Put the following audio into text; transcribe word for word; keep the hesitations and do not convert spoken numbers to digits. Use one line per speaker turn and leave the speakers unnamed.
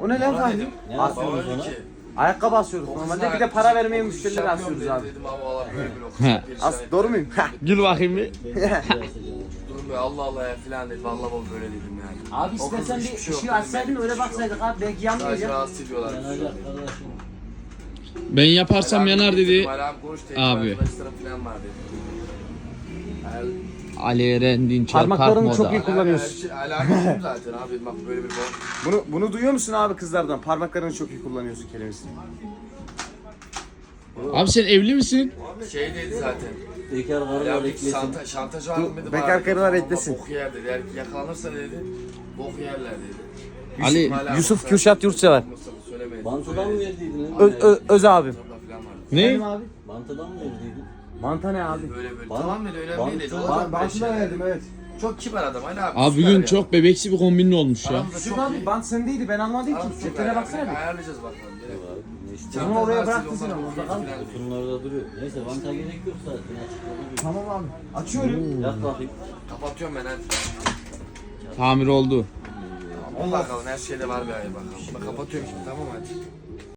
O ne lan
Bana
Fahri?
dedim.
Ne
Bak,
yapıyorsunuz
Baba
ona?
dedi ki.
Ayakkabı asıyoruz
o
normalde,
kızın
bir de para
ayakkabısı-
vermeye
o kız
müşterilere
şampiyon
asıyoruz
dedi,
abi.
Dedim abi valla böyle böyle o kız
He.
perişan
As
etti.
doğru muyum?
Gül bakayım bir.
Durun be Allah Allah ya filan dedi. Valla baba böyle dedim yani.
Abi
O kız
istersen bir
hiçbir şey yok
ışığı
dedim,
açsaydın
benim
öyle
hiçbir şey yok.
baksaydık abi, belki
Sadece
yanmayacak.
rahatsız ediyorlar.
Yanacak kardeşim.
Ben yaparsam yanar dedi.
Alam konuş dedi.
Abi.
Arkadaşlarım filan var dedi.
Ali Eren Dinçer Park
Parmaklarını
Moda.
çok iyi kullanıyorsun.
şey- Alakası zaten abi bak böyle bir bol.
Bunu bunu duyuyor musun abi kızlardan? Parmaklarını çok iyi kullanıyorsun kelimesini.
Abi sen evli misin?
Şey dedi zaten.
Bekar karılar
Ya bir
eklesin.
şanta, şantaj var mı dedi.
bekar
bana dedi.
karılar
Tamam,
eklesin.
Bok yer dedi. Eğer yakalanırsa dedi. Bok yerler dedi.
Ali-
Hala
Yusuf
Mustafa-
Kürşat Yurtsever.
Mustafa söylemeyin.
Bantıdan mı verdiydin?
Ö, ö, öz abim.
Falan vardı.
Ne?
abi?
Bantıdan mı verdiydin?
Manta ne abi?
Böyle böyle.
Bant-
Tamam dedi öyle
bant-
değil dedi.
bant-
Olacak böyle
Bantı da
şeyler.
verdim evet.
Çok kibar adam Ali abi.
Abi
süper
bugün
ya.
çok bebeksi bir kombinin olmuş ya.
Aramızda
Yusuf
çok
abi
iyi.
bant sendeydi, ben almadım ki.
Aramızda çok
Ceplere
iyi.
baksana bir.
Ayarlayacağız bakalım. Gerek yok.
Ne işte?
Bunu oraya bıraktın sen ama, orada kal.
Kutunun orada duruyor. Neyse banta gerek yok zaten. Açıkta duruyor.
Tamam abi. Açıyorum.
Yat bakayım.
Kapatıyorum ben hadi.
Tamir oldu.
Tamam bakalım her şeyde var bir ay bakalım. Bunu kapatıyorum şimdi tamam hadi.